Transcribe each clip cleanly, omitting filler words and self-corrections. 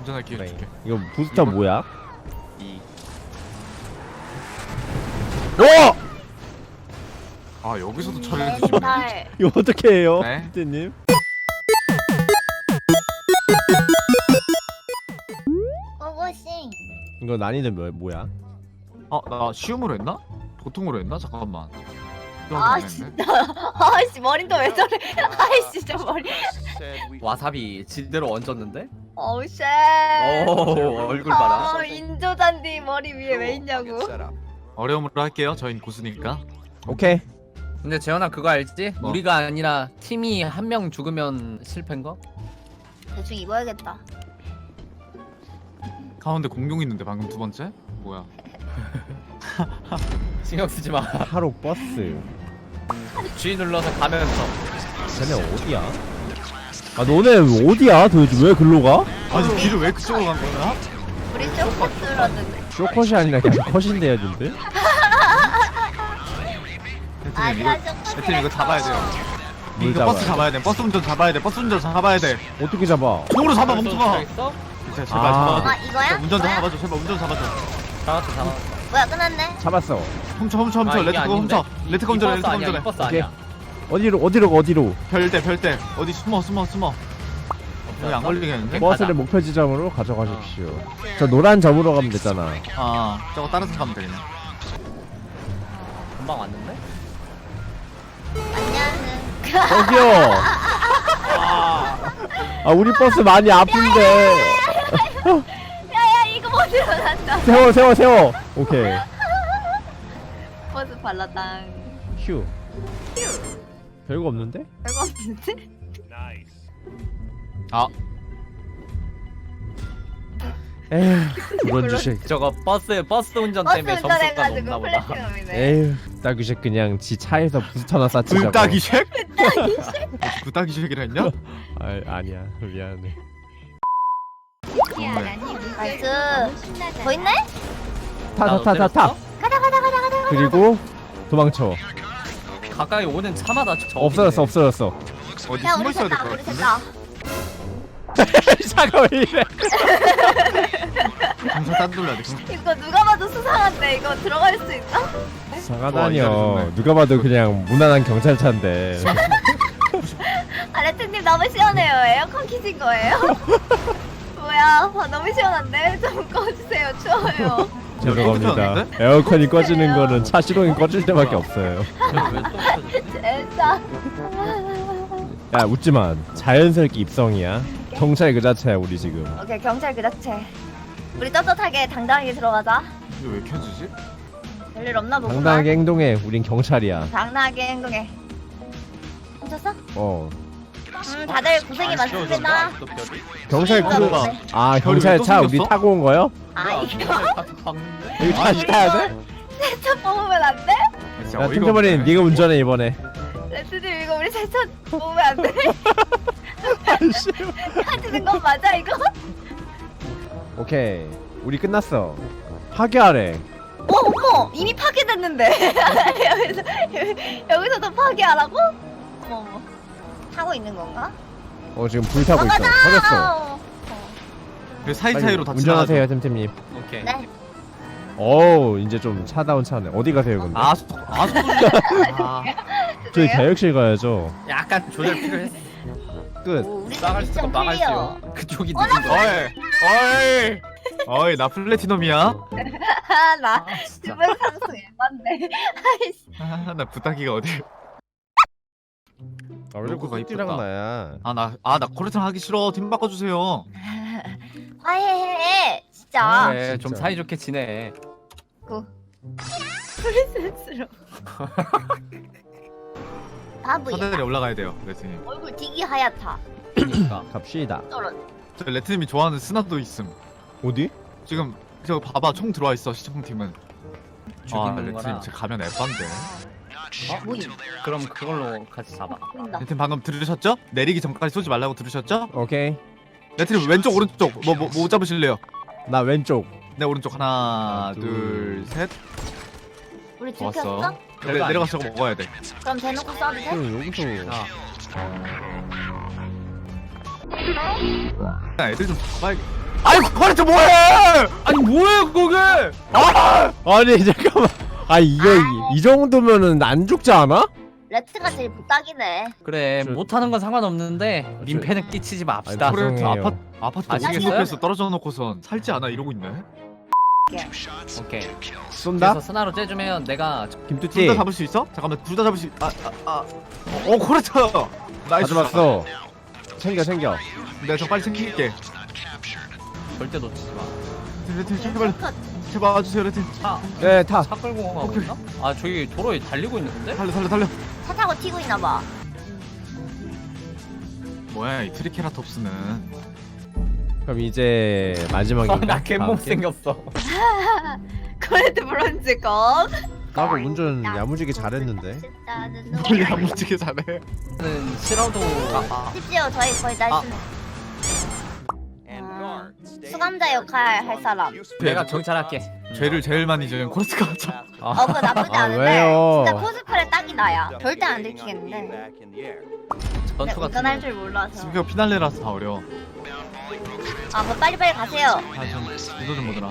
운전할 기회 그래. 줄게. 이거 부스터 이거- 뭐야? 이. 오! 아 여기서도 차를 해주시네. 멘탈. 이거 어떻게 해요? 네? 피디님? 고고싱. 이거 난이도 뭐야? 나 쉬움으로 했나? 보통으로 했나? 잠깐만. 아 진짜. 아씨 머리도 왜 저래? 아이씨 저 머리. 와사비 제대로 얹었는데? 어우 쉣. 오 얼굴 봐라. 인조잔디 머리 위에 왜 있냐고. 어려움으로 할게요. 저희는 고수니까. 오케이. 근데 재현아 그거 알지? 뭐? 우리가 아니라 팀이 한 명 죽으면 실패인 거? 대충 입어야겠다. 가운데 공룡 있는데 방금 두 번째? 뭐야? 신경 쓰지 마. 하루 버스. G 눌러서 가면서. 쟤네 어디야? 아 너네 어디야? 도대체 왜 글로 가? 아니 길을 왜 그쪽으로 간 거야? 우리 쇼커스라는데. 쇼컷이 아니라 그냥 컷인데요, 근데? 대팀 이거 대팀 이거 잡아야 돼요. 뭘 이거 버스 잡아요? 잡아야 돼. 버스 운전 잡아야 돼. 버스 운전 잡아야 돼. 어떻게 잡아? 손으로 잡아 멍청아. 있어? 제발 제발 아. 잡아. 아 이거야? 운전 좀 이거야? 잡아줘. 제발 운전 잡아줘. 잡았어 잡았어. 뭐야 끝났네. 잡았어. 훔쳐 아, 이게 레트고 아닌데? 훔쳐. 레트고 운전해. 레트고 아니야 운전해. 이 버스 오케이. 아니야. 어디로? 별대 어디 숨어. 여기 안 걸리겠는데? 버스를 목표 지점으로 가져가십시오. 저 노란 점으로 가면 되잖아. 아 저거 따라서 가면 되겠네. 금방 왔는데? 안녕은. 저기요. 아 우리 버스 많이 아픈데. 야야 이거 못 일어난다. 세워. 오케이. 버스 발라당. 휴. 별거 없는데? 별거 없는데? 아 에휴. 그런 주식. 저거 버스 운전 버스 때문에 점수가 운전해가지고 높나 보다. 플래티넘이네. 에휴. 따규식 그냥 지 차에서 부스터나 쌓치자고. 불따기쉑? 불따기쉑이라 했냐? 아니야. 미안해. 나이스. 더 있네? 나도 타. 때렸어? 가자. 그리고 도망쳐. 가까이 오는 차마다 저 없어졌어. 어디 야 숨어 우리 있어야 될 셋다 것 우리 같은데? 셋다. 차가 왜 이래? 경찰 딴 돌려야 돼. 이거 누가 봐도 수상한데 이거 들어갈 수 있나? 와, 상하다니요. 이거 누가 봐도 그냥 무난한 경찰차인데. 아 레트님 너무 시원해요. 에어컨 키신 거예요? 뭐야? 너무 시원한데 좀 꺼주세요. 추워요. 죄송합니다. 에어컨이 꺼지는 거는 차 시동이 꺼질 때밖에 없어요. 진짜. 야 웃지마. 자연스럽게 입성이야. 경찰 그 자체야 우리 지금. 오케이 경찰 그 자체. 우리 떳떳하게 당당하게 들어가자. 이거 왜 켜지지? 별일 없나 보구만. 당당하게 행동해. 우린 경찰이야. 당당하게 행동해. 훔쳤어? 어. 다들 고생이 많습니다. 경찰 아, 그. 네. 아 별이 경찰 왜또 차 우리 생겼어? 타고 온 거요? 아 이거 여기 다시 타야 돼? 세차 뽑으면 안 돼? 진짜 야 어이가 템템버린 없네. 네가 운전해 이번에. 레트님 이거 우리 세차 뽑으면 안 돼? 하지는 건 맞아 이거? 오케이. 우리 끝났어. 파괴하래. 어머 이미 파괴됐는데 여기서도 파괴하라고? 어머 타고 있는 건가? 지금 불 타고 있어. 터졌어. 그 사이사이로 다 운전하세요 템템님. 오케이. 네. 어우 이제 좀 차다운 차네. 어디 가세요 근데? 저희 그래요? 교육실 가야죠. 약간 조절 필요했어. 끝. 오, 우리 나갈 수가 미션 막을 클리어. 수요. 그쪽이 늦은 거야. 어이 나 플래티넘이야. 나 진짜. 주변 상승 에반데 아이씨 나 부탁이가 어디? 아, 왜 자꾸 로고가 띠랑 이쁘다. 나야. 나 코레트랑 하기 싫어. 팀 바꿔주세요. 화해해 진짜 그래 좀 진짜. 사이좋게 지내. 프리센스로 바보야 사다리 올라가야 돼요, 레트님. 얼굴 되게 하얗다 그러니까. 갑시다. 저런 저 레트님이 좋아하는 스나도 있음. 어디? 지금 저 봐봐 총 들어와 있어 시청팀은. 죽이는 레트님 거라. 제 가면 에반데. 모임 그럼 그걸로 같이 잡아. 보인다 레트님 방금 들으셨죠? 내리기 전까지 쏘지 말라고 들으셨죠? 오케이. 레트님 왼쪽 오른쪽 뭐 잡으실래요? 나 왼쪽. 네 오른쪽 하나 하나, 둘 셋. 우리 좋았어. 들켰어? 내려가서 저거 먹어야 돼. 그럼 대놓고 써도 돼? 여기서. 애들 좀 잡아야. 아이 코레트 뭐해? 아니 뭐해 그게? 아! 아니 잠깐만. 아 이게 이 정도면은 안 죽지 않아? 레트가 제일 부탁이네. 그래 저- 못하는 건 상관없는데 민폐는 끼치지 맙시다. 아니, 코레트 죄송해요. 아파트 아시겠어요? 어떻게 숲에서 떨어져 놓고선 살지 않아 이러고 있네. 오케이. 쏜다? 그래서 스나로 째주면 내가 둘 김뚜띠 다 잡을 수 있어? 잠깐만 둘 다 잡을 수. 코레트. 나이스. 가져왔어. 챙겨. 내가 저 빨리 챙길게. 절대 놓치지 마. 레트 제발 제발 와주세요 레트. 네 타. 차 끌고 가고 있나? 아 저기 도로에 달리고 있는데? 달려. 차 타고 튀고 있나 봐. 뭐야 이 트리케라톱스는. 그럼 이제 마지막인가? 나 개몸 생겼어. 코레트 브론즈 건. 나도 운전 야무지게 잘했는데. 뭘 야무지게 잘해. 는 싫어도 심지어 저희 거의 다 했습니다. 수감자 역할 할 사람. 내가 경찰할게. 죄를 제일 많이 지은 코레트가 하자. 그거 나쁘지 아, 않은데 왜요? 진짜 코스프레 딱이 나야. 절대 안 들키겠는데. 전투 같은 운전할 거. 줄 몰라서. 지금 피날레라서 다 어려워. 뭐 빨리빨리 가세요. 아좀 유도 좀 보더라.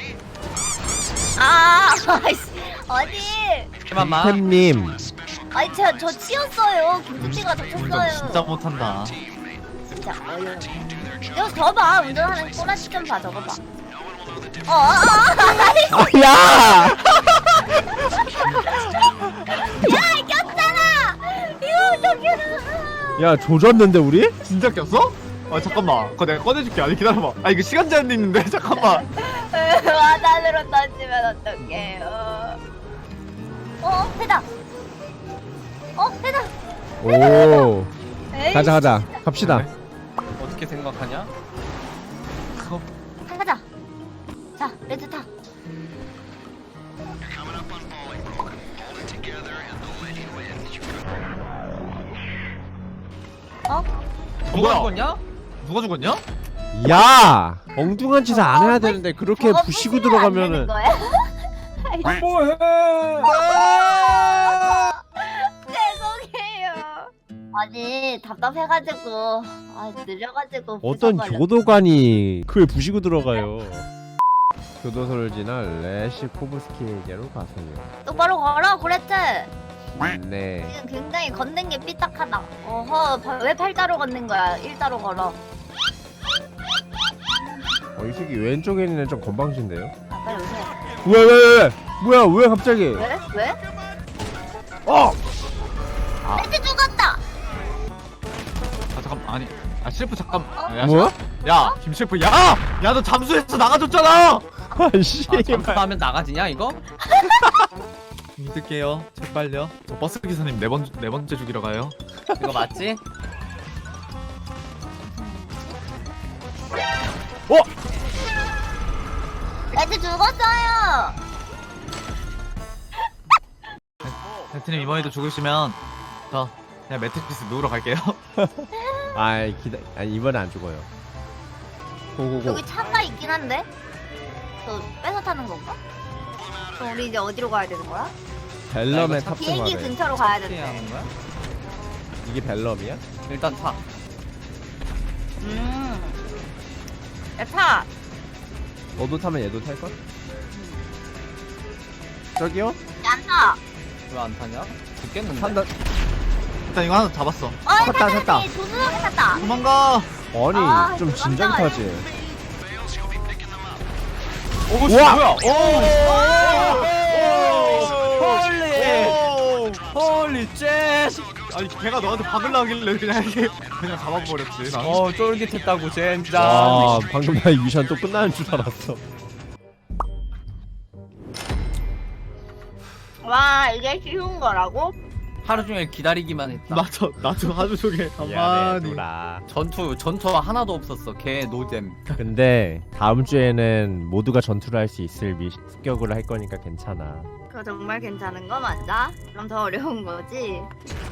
아이씨 어디? 그만마. 햄님 아니 저 치였어요. 김치가 저 운전 쳤어요. 진짜 못한다. 진짜 어이없네. 이거 저봐 운전하는 꼬라지 좀 봐 저거 봐. 야! 야 꼈잖아. 이거 어떡해. 야 조졌는데 우리? 진짜 꼈어? 아 잠깐만. 그거 내가 꺼내줄게. 아니 기다려봐. 아 이거 시간 제한도 있는데 잠깐만. 와단으로 던지면 어떡해요. 해다. 해다. 오 에이, 가자 갑시다. 어떻게 생각하냐? 가자. 자 레드 타. 누가 죽었냐? 누가 죽었냐? 야 엉뚱한 짓을 안 해야 되는데 그렇게 저거 부시고 부시면 안 들어가면은 되는 거야? 뭐해? 죄송해요. 아니 답답해가지고 느려가지고 어떤 부숴버렸- 교도관이 그걸 부시고 들어가요. 교도소를 지나 레시코브스키에게로 가세요. 똑바로 걸어 코레트. 네. 지금 굉장히 걷는 게 삐딱하다. 왜 팔자로 걷는 거야? 일자로 걸어. 이 새끼 왼쪽에 있는 애 좀 건방진데요? 빨리 오세요. 왜? 뭐야 왜 갑자기? 왜? 어! 레트 죽었다. 아 잠깐 아니. 아 셰프 잠깐. 야, 뭐야? 야 김 셰프 야! 야 너 잠수해서 나가줬잖아. 아씨. 잠수하면 나가지냐 이거? 믿을게요. 제발요. 저 버스 기사님 네 번째 죽이러 가요. 이거 맞지? 레트 죽었어요. 배트님 이번에도 죽으시면 저 그냥 매트리스 누우러 갈게요. 아이 이번에 안 죽어요. 고고고. 여기 차가 있긴 한데. 저 뺏어 타는 건가? 그럼 우리 이제 어디로 가야 되는 거야? 벨럼에 비행기 탑승하래. 근처로 가야 어떻게 되는데. 하는 거야? 이게 벨럼이야? 일단 타. 야 타. 너도 타면 얘도 탈 걸? 저기요? 안 타. 왜 안 타냐? 죽겠는데? 탄다. 일단 이거 하나 잡았어. 탔다. 조수석에 탔다. 도망가. 아니 좀 깜짝이야. 진작 타지. 오 우와! 뭐야? 홀리 쉣! 아니 걔가 너한테 박으려길래 그냥 이렇게 그냥 잡아버렸지. 난. 쫄깃했다고 젠장. 와 방금 나 이 미션 또 끝나는 줄 알았어. 와 이게 쉬운 거라고? 하루 종일 기다리기만 했다. 나도 하루 종일 미안해 가만히. 누라. 전투 하나도 없었어. 개 노잼. 근데 다음 주에는 모두가 전투를 할 수 있을 습격을 할 거니까 괜찮아. 그거 정말 괜찮은 거 맞아? 그럼 더 어려운 거지?